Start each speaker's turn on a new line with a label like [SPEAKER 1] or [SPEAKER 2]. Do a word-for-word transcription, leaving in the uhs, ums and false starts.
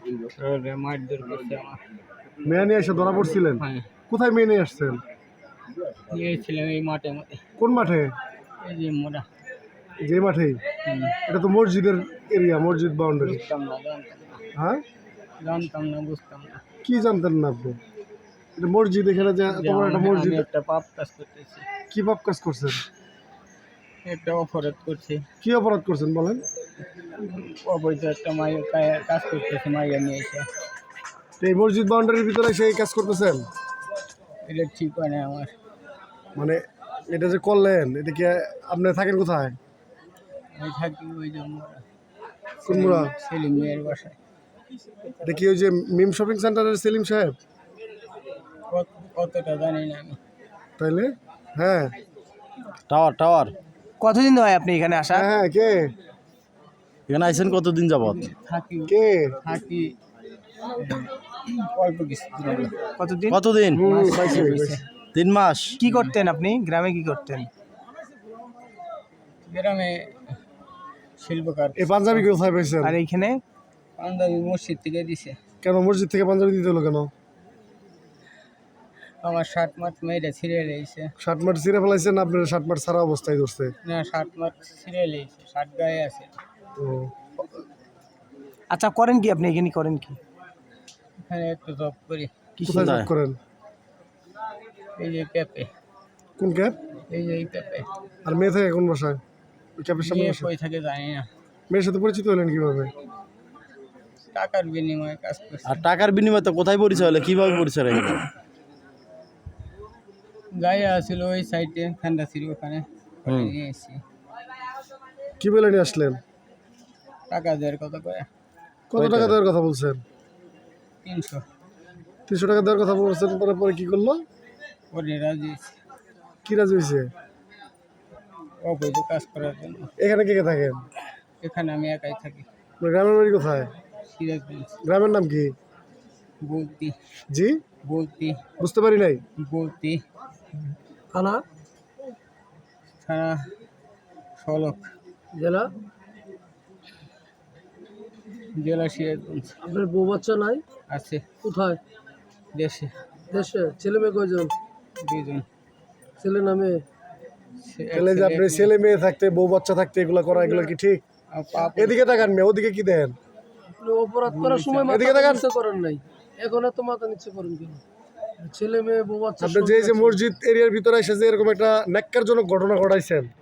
[SPEAKER 1] মারধর করছে আমার।
[SPEAKER 2] মেয়ে নিয়ে এসে ধরা পড়ছিলেন?
[SPEAKER 1] হ্যাঁ,
[SPEAKER 2] কোথায় মেয়ে নিয়ে আসছেন?
[SPEAKER 1] নিয়েছিলাম এই মাঠে মাঠে,
[SPEAKER 2] কোন মাঠে?
[SPEAKER 1] এই যে মোড়া।
[SPEAKER 2] যে মাঠেই?
[SPEAKER 1] হুম,
[SPEAKER 2] এটা তো মসজিদের এরিয়া, মসজিদ বাউন্ডারি।
[SPEAKER 1] বুঝতাম না, জানতাম না,
[SPEAKER 2] হ্যাঁ,
[SPEAKER 1] জানতাম না, বুঝতাম না
[SPEAKER 2] কি জানতেন না আপনি? এটা মসজিদ, এখানে যে
[SPEAKER 1] যে
[SPEAKER 2] তোমার একটা
[SPEAKER 1] আমি
[SPEAKER 2] মসজিদ।
[SPEAKER 1] আমি একটা পাপ কাজ করতেছি,
[SPEAKER 2] কি পাপ কাজ করছেন?
[SPEAKER 1] একটা অপরাধ করছি,
[SPEAKER 2] কি অপরাধ করছেন বলেন?
[SPEAKER 1] অবৈধ একটা মায়ের কাজ করতেছি, মাইয়া নিয়ে এসে।
[SPEAKER 2] তো এই মসজিদ বাউন্ডারির ভিতরে সেই কাজ করতেছেন?
[SPEAKER 1] এটা ঠিক হয় না আমার।
[SPEAKER 2] মানে এটা যে করলেন, এটা কি আপনি থাকেন কোথায়?
[SPEAKER 1] আমি থাকি ওই যে মোড়া,
[SPEAKER 2] কোন মুড়া?
[SPEAKER 1] সেলিম মেয়ের বাসায়।
[SPEAKER 2] এটা কি ওই যে মিম শপিং সেন্টারের সেলিম সাহেব?
[SPEAKER 1] কত- কতটা জানি না আমি।
[SPEAKER 2] তাইলে হ্যাঁ
[SPEAKER 3] টাওয়ার টাওয়ার
[SPEAKER 4] কতদিন হয় আপনি এখানে আসা?
[SPEAKER 2] হ্যাঁ হ্যাঁ কে
[SPEAKER 3] এখানে আইছেন কতদিন যাবত?
[SPEAKER 1] থাকি
[SPEAKER 2] কে
[SPEAKER 1] থাকি অল্প কিছু দিন হলো।
[SPEAKER 4] কতদিন?
[SPEAKER 3] কতদিন?
[SPEAKER 2] হুম,
[SPEAKER 1] মাস
[SPEAKER 2] পাইছি,
[SPEAKER 1] হয়ে
[SPEAKER 2] পাইছি।
[SPEAKER 1] গেছে।
[SPEAKER 3] তিন মাস।
[SPEAKER 4] কি করতেন আপনি গ্রামে, কি করতেন?
[SPEAKER 1] গ্রামে শিল্পকার।
[SPEAKER 2] এই পাঞ্জাবি কোথায় পাইছেন?
[SPEAKER 4] আর এইখানে?
[SPEAKER 1] পাঞ্জাবি মসজিদ থেকে দিছে।
[SPEAKER 2] কেন মসজিদ থেকে পাঞ্জাবি দিতে হলো কেন?
[SPEAKER 1] আমার শার্ট মাঠ মেয়েটা ছিঁড়ে লেগেছে।
[SPEAKER 2] শার্ট মাঠ ছিঁড়ে ফেলাইছেন? আপনার শার্ট মাঠ সারা অবস্থায় ধরছে?
[SPEAKER 1] না, শার্ট মাঠ ছিঁড়ে লেগেছে, শার্ট গায়ে আছে।
[SPEAKER 2] ও,
[SPEAKER 4] আচ্ছা, করেন কি আপনি এখানে, করেন কি?
[SPEAKER 1] এখানে একটু জব করি,
[SPEAKER 2] কোথায় জব করেন?
[SPEAKER 1] এই যে ক্যাপে,
[SPEAKER 2] কোন ক্যাব?
[SPEAKER 1] এই যে এই ক্যাপে।
[SPEAKER 2] আর মেয়ে থাকে কোন বাসায়? ওই ক্যাবের সামনে
[SPEAKER 1] নিয়ে
[SPEAKER 2] বসে?
[SPEAKER 1] কই থাকে জানি না,
[SPEAKER 2] মেয়ের সাথে পরিচিত হলেন কিভাবে?
[SPEAKER 1] টাকার বিনিময়ে কাজ করছি।
[SPEAKER 3] আর টাকার বিনিময়ে তো কোথায় পরিচয় হলে, কিভাবে পরিচয় হলো?
[SPEAKER 1] গায়ে আসছিল ওই সাইডে, ঠান্ডা ছিল ওখানে, ওখানে নিয়ে এসেছি।
[SPEAKER 2] কি বলে নিয়ে আসলেন?
[SPEAKER 1] টাকা দেওয়ার কথা করে
[SPEAKER 2] কত টাকা দেওয়ার কথা বলছেন?
[SPEAKER 1] তিনশো।
[SPEAKER 2] তিনশো টাকা দেওয়ার কথা বলছেন, পরে পরে কি করলো?
[SPEAKER 1] ওরে রাজি হয়েছে
[SPEAKER 2] কি রাজি হয়েছে?
[SPEAKER 1] অবৈধ কাজ করার জন্য।
[SPEAKER 2] এখানে কে কে থাকেন?
[SPEAKER 1] এখানে আমি একাই থাকি।
[SPEAKER 2] আপনার গ্রামের বাড়ি কোথায়?
[SPEAKER 1] সিরাজগঞ্জ।
[SPEAKER 2] গ্রামের নাম কি?
[SPEAKER 1] বলতি
[SPEAKER 2] জি
[SPEAKER 1] বলতি
[SPEAKER 2] বুঝতে পারি নাই।
[SPEAKER 1] বলতি
[SPEAKER 2] থানা?
[SPEAKER 1] থানা সলক,
[SPEAKER 2] জেলা?
[SPEAKER 1] জেলা সিরাজগঞ্জ।
[SPEAKER 2] আপনার বউ বাচ্চা নাই?
[SPEAKER 1] আছে
[SPEAKER 2] কোথায়?
[SPEAKER 1] দেশে
[SPEAKER 2] দেশে? ছেলে মেয়ে কয়জন?
[SPEAKER 1] দুজন।
[SPEAKER 2] ছেলে না মেয়ে?
[SPEAKER 1] সে- এক
[SPEAKER 2] তাহলে যে
[SPEAKER 1] ছেলে,
[SPEAKER 2] আপনি
[SPEAKER 1] এক
[SPEAKER 2] ছেলে মেয়ে থাকতে, বউ বাচ্চা থাকতে এগুলো করা, এগুলো কি ঠিক?
[SPEAKER 1] মেয়ে। আর পাপ
[SPEAKER 2] এদিকে তাকান মেয়ে, ওদিকে কি দেন?
[SPEAKER 5] অপরাধ করার সময় মাথা
[SPEAKER 2] এদিকে তাকান।
[SPEAKER 5] নিচে করেন নাই, এখন এত মাথা নিচে করেন কেন? ছেলে মেয়ে বউ বাচ্চা
[SPEAKER 2] আপনি যে এই যে মসজিদ এরিয়ার ভিতরে এসে যে এরকম একটা ন্যাক্কারজনক ঘটনা ঘটাইছেন,